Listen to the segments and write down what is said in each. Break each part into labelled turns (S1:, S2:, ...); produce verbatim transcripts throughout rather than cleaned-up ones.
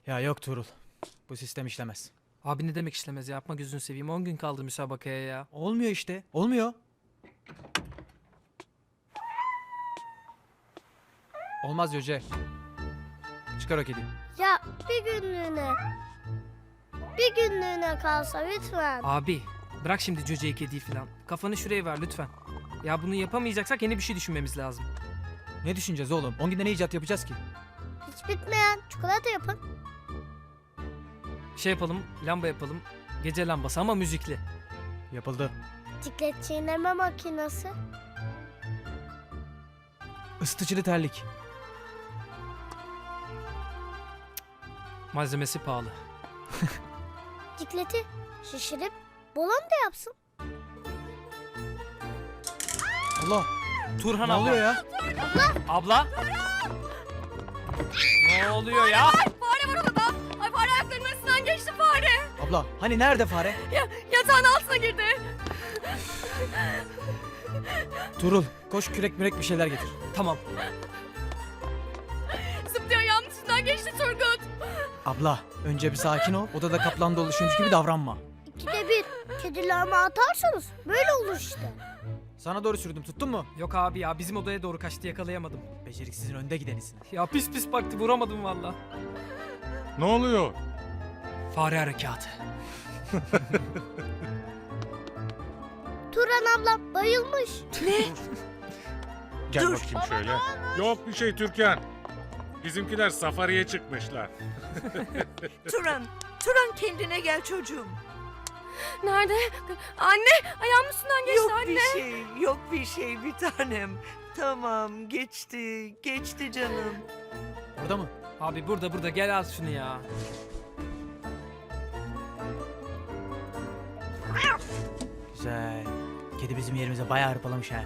S1: Ya yok Tuğrul. Bu sistem işlemez.
S2: Abi ne demek işlemez ya? Yapma gözünü seveyim. on gün kaldı müsabakaya ya.
S1: Olmuyor işte. Olmuyor. Olmaz Yüce. Çıkar o kediyi.
S3: Ya bir günlüğüne. Bir günlüğüne kalsa lütfen.
S2: Abi bırak şimdi cöceği kediyi falan. Kafanı şuraya ver lütfen. Ya bunu yapamayacaksak yeni bir şey düşünmemiz lazım.
S1: Ne düşüneceğiz oğlum? on günde ne icat yapacağız ki?
S3: Hiç bitmeyen çikolata yapın.
S2: Şey yapalım, lamba yapalım. Gece lambası ama müzikli.
S1: Yapıldı.
S3: Ciklet çiğneme makinesi.
S1: Isıtıcılı terlik.
S2: Malzemesi pahalı.
S3: Cikleti şişirip balon da yapsın.
S1: Allah.
S2: Turhan
S1: Ne
S2: abla.
S1: oluyor ya?
S2: Abla. Ne oluyor ya?
S4: Fare var odada. Ay fare ayaklarının arasından geçti fare.
S1: Abla hani nerede fare?
S4: Ya, yatağın altına girdi.
S1: Tuğrul koş kürek mürek bir şeyler getir.
S2: Tamam.
S4: Zıplıyor ayağının üstünden geçti Turgut.
S1: Abla önce bir sakin ol. Odada kaplan dolaşıyormuş gibi davranma.
S3: İkide bir kedilerime atarsanız böyle olur işte.
S1: Sana doğru sürdüm tuttun mu?
S2: Yok abi ya bizim odaya doğru kaçtı yakalayamadım.
S1: Beceriksizin önde gidenisin.
S2: Ya pis pis baktı vuramadım valla.
S5: Ne oluyor?
S2: Fare harekatı.
S3: Turan ablam bayılmış.
S5: Gel bakayım şöyle. Yok bir şey Türkan. Bizimkiler safariye çıkmışlar.
S6: Turan, Turan kendine gel çocuğum.
S4: Nerede? Anne ayağımın üstünden geçti
S6: Yok
S4: anne.
S6: bir şey, yok bir şey bir tanem. Tamam, geçti, geçti canım.
S1: Orada mı?
S2: Abi burada burada gel al şunu ya.
S1: Güzel. Kedi bizim yerimize bayağı hırpalamış ha.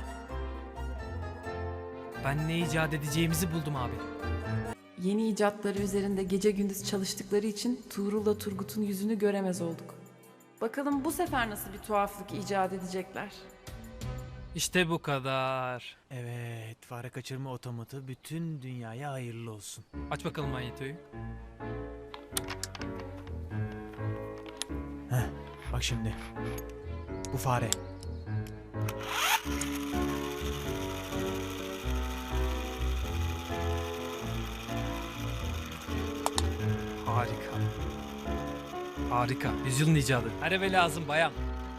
S2: Ben ne icat edeceğimizi buldum abi.
S7: Yeni icatları üzerinde gece gündüz çalıştıkları için Tuğrul'la Turgut'un yüzünü göremez olduk. Bakalım bu sefer nasıl bir tuhaflık icat edecekler.
S2: İşte bu kadar.
S1: Evet fare kaçırma otomatı bütün dünyaya hayırlı olsun.
S2: Aç bakalım manyetoyu.
S1: Heh, bak şimdi. Bu fare.
S2: Harika. Harika. Yüzyılın icadı. Her eve lazım bayan.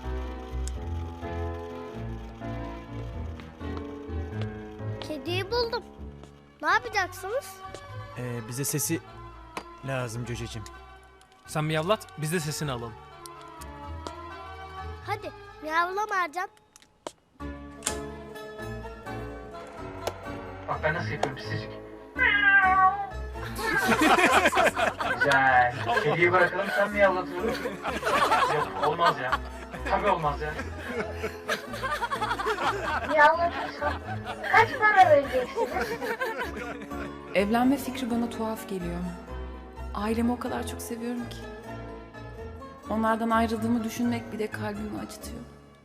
S3: Kediyi buldum. Ne yapacaksınız?
S1: Ee, bize sesi lazım cöceciğim.
S2: Sen miyavlat biz de sesini alalım.
S3: Hadi miyavla Mercan.
S8: Bak ben nasıl yapıyorum pisicik. Güzel. Kediyi bırakalım sen mi yavlatıyorsun? Yok olmaz ya. Tabii olmaz ya.
S3: Miyavlatırsan kaç para vereceksiniz?
S7: Evlenme fikri bana tuhaf geliyor. Ailemi o kadar çok seviyorum ki. Onlardan ayrıldığımı düşünmek bile kalbimi acıtıyor.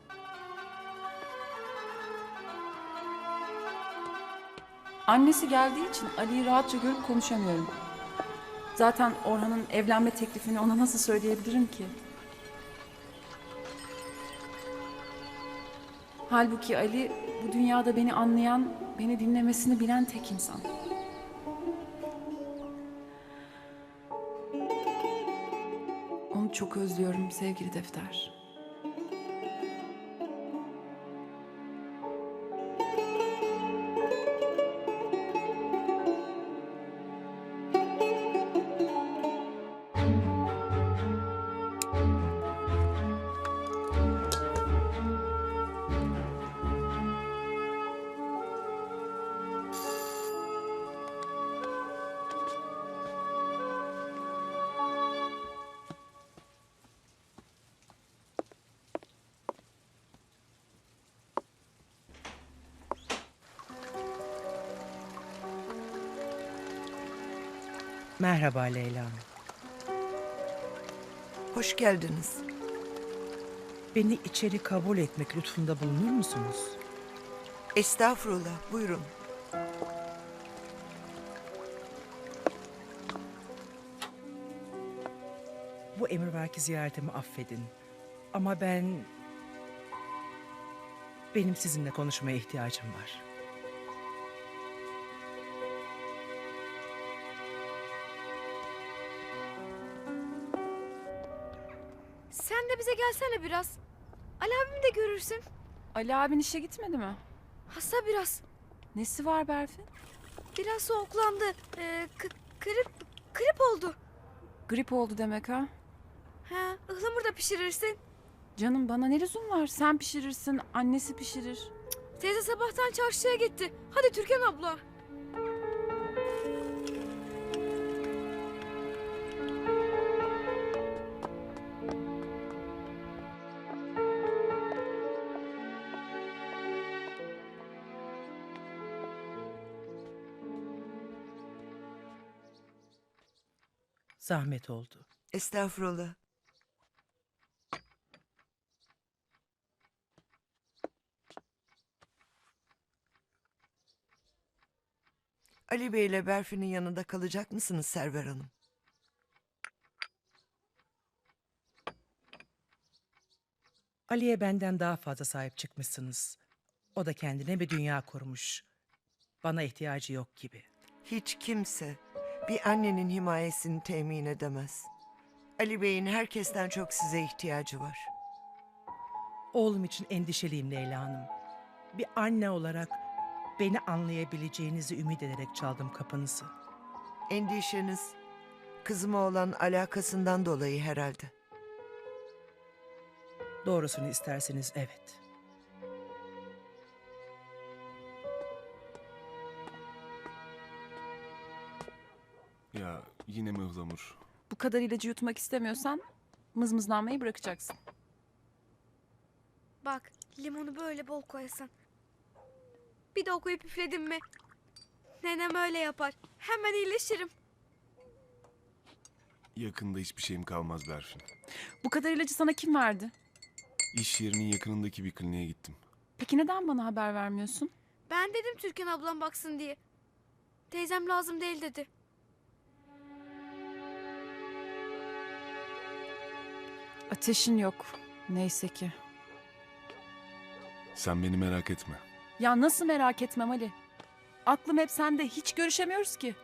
S7: Annesi geldiği için Ali'yi rahatça görüp konuşamıyorum. Zaten Orhan'ın evlenme teklifini ona nasıl söyleyebilirim ki? Halbuki Ali bu dünyada beni anlayan, beni dinlemesini bilen tek insan. Onu çok özlüyorum sevgili Defter.
S9: Merhaba Leyla.
S6: Hoş geldiniz.
S9: Beni içeri kabul etmek lütfunda bulunur musunuz?
S6: Estağfurullah, buyurun.
S9: bu emrivaki ziyaretimi affedin. Ama ben... Benim sizinle konuşmaya ihtiyacım var.
S4: Sen de bize gelsene biraz. Ali abimi de görürsün.
S7: Ali abin işe gitmedi mi?
S4: Hasta biraz.
S7: Nesi var Berfin?
S4: Biraz soğuklandı. Ee, k- grip, grip oldu.
S7: Grip oldu demek ha?
S4: He, ıhlamur da pişirirsin.
S7: Canım bana ne lüzum var? Sen pişirirsin, annesi pişirir.
S4: Teyze sabahtan çarşıya gitti. Hadi Türkan abla.
S9: Zahmet oldu.
S6: Estağfurullah. Ali Bey ile Berfin'in yanında kalacak mısınız Server Hanım?
S9: Ali'ye benden daha fazla sahip çıkmışsınız. O da kendine bir dünya kurmuş. Bana ihtiyacı yok gibi.
S6: Hiç kimse bir annenin himayesini temin edemez. Ali Bey'in herkesten çok size ihtiyacı var.
S9: Oğlum için endişeliyim Leyla Hanım. Bir anne olarak beni anlayabileceğinizi ümit ederek çaldım kapınızı.
S6: Endişeniz kızıma olan alakasından dolayı herhalde.
S9: Doğrusunu isterseniz evet.
S10: Ya yine mi ıhlamur?
S7: Bu kadar ilacı yutmak istemiyorsan mızmızlanmayı bırakacaksın.
S4: Bak, limonu böyle bol koyasın. Bir de okuyup üfledim mi? Nenem öyle yapar. Hemen iyileşirim.
S10: Yakında hiçbir şeyim kalmaz Berfin.
S7: Bu kadar ilacı sana kim verdi?
S10: İş yerinin yakınındaki bir kliniğe gittim.
S7: Peki neden bana haber vermiyorsun?
S4: Ben dedim Türkan ablam baksın diye. Teyzem lazım değil dedi.
S7: Ateşin yok. Neyse ki.
S10: Sen beni merak etme.
S7: Ya nasıl merak etmem Ali? Aklım hep sende. Hiç görüşemiyoruz ki.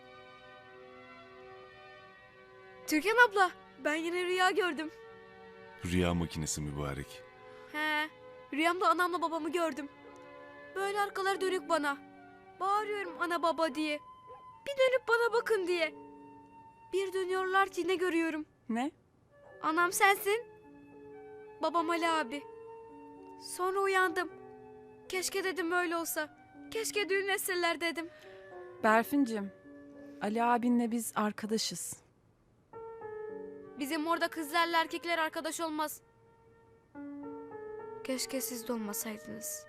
S4: Türkan abla, ben yine rüya gördüm.
S10: Rüya makinesi mübarek.
S4: He, rüyamda anamla babamı gördüm. Böyle arkaları dönük bana. Bağırıyorum ana baba diye. Bir dönüp bana bakın diye. Bir dönüyorlar ki ne görüyorum.
S7: Ne?
S4: Anam sensin. Babam Ali abi. Sonra uyandım. Keşke dedim öyle olsa. Keşke düğün etseler dedim.
S7: Berfincim, Ali abinle biz arkadaşız.
S4: Bizim orada kızlarla erkekler arkadaş olmaz. Keşke siz de olmasaydınız.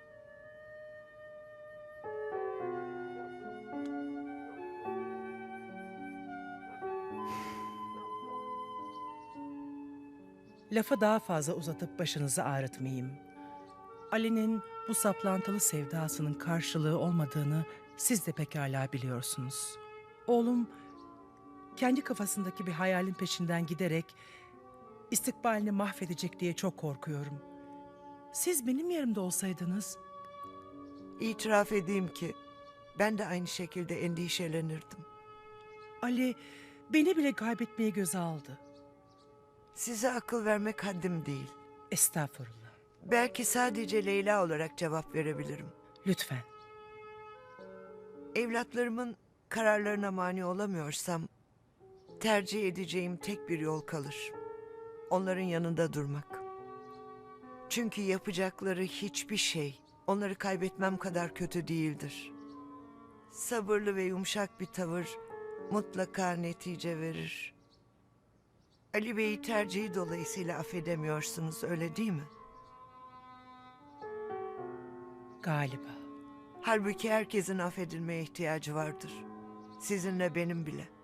S9: Lafı daha fazla uzatıp başınızı ağrıtmayayım. Ali'nin bu saplantılı sevdasının karşılığı olmadığını siz de pekala biliyorsunuz. Oğlum kendi kafasındaki bir hayalin peşinden giderek istikbalini mahvedecek diye çok korkuyorum. Siz benim yerimde olsaydınız...
S6: İtiraf edeyim ki ben de aynı şekilde endişelenirdim.
S9: Ali beni bile kaybetmeye göze aldı.
S6: Size akıl vermek haddim değil.
S9: Estağfurullah.
S6: Belki sadece Leyla olarak cevap verebilirim.
S9: Lütfen.
S6: Evlatlarımın kararlarına mani olamıyorsam tercih edeceğim tek bir yol kalır. Onların yanında durmak. Çünkü yapacakları hiçbir şey onları kaybetmem kadar kötü değildir. Sabırlı ve yumuşak bir tavır mutlaka netice verir. Ali Bey'i tercihi dolayısıyla affedemiyorsunuz, öyle değil mi?
S9: Galiba.
S6: Halbuki herkesin affedilmeye ihtiyacı vardır. Sizinle benim bile.